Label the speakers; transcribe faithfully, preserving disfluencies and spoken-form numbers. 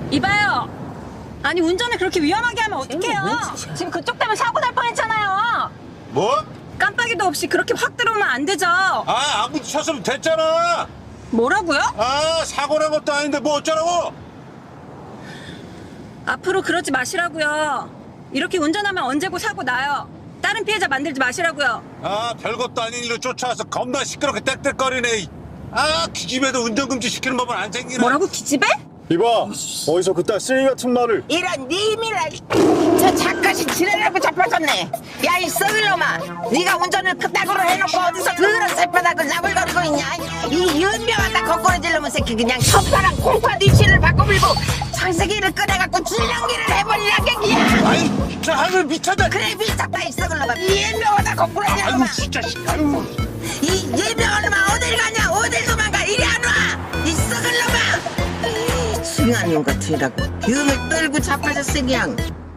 Speaker 1: 이봐요. 아니 운전을 그렇게 위험하게 하면 어떡해요? 지금 그쪽 때문에 사고 날 뻔했잖아요.
Speaker 2: 뭐?
Speaker 1: 깜빡이도 없이 그렇게 확 들어오면 안 되죠.
Speaker 2: 아, 아무도 쳤으면 됐잖아.
Speaker 1: 뭐라고요?
Speaker 2: 아, 사고 난 것도 아닌데 뭐 어쩌라고?
Speaker 1: 앞으로 그러지 마시라고요. 이렇게 운전하면 언제고 사고 나요. 다른 피해자 만들지 마시라고요.
Speaker 2: 아, 별것도 아닌 일로 쫓아와서 겁나 시끄럽게 떽떽거리네. 아, 기집애도 운전금지 시키는 법은 안 생기네.
Speaker 1: 뭐라고 기집애?
Speaker 3: 이봐, 어디서 그딴 쓰레기 같은 말을.
Speaker 4: 이런 님이라 저 작가시 지내려고 자빠졌네. 야 이 썩을 놈아, 네가 운전을 그따구로 해놓고 어디서 그런 새바닥을 나불거리고 있냐. 이 연명하다 거꾸로질 놈의 새끼 그냥 혓바람 콩파 뒤치를 바꿔불고 창세기를 꺼내갖고 줄넘기를 해버리라 갱기야.
Speaker 2: 아이, 저 하늘 미쳤다.
Speaker 4: 그래 미쳤다 이 썩을 놈아. 이 연명하다 거꾸로질 놈아.
Speaker 2: 아유, 진짜. 아유.
Speaker 4: 이 연명한 놈아 어딜 가냐, 어딜 도망가. 이리 안 와 이 썩을 놈아. 이 징한 놈 같으라고 병을 떨고 자빠졌어 그냥.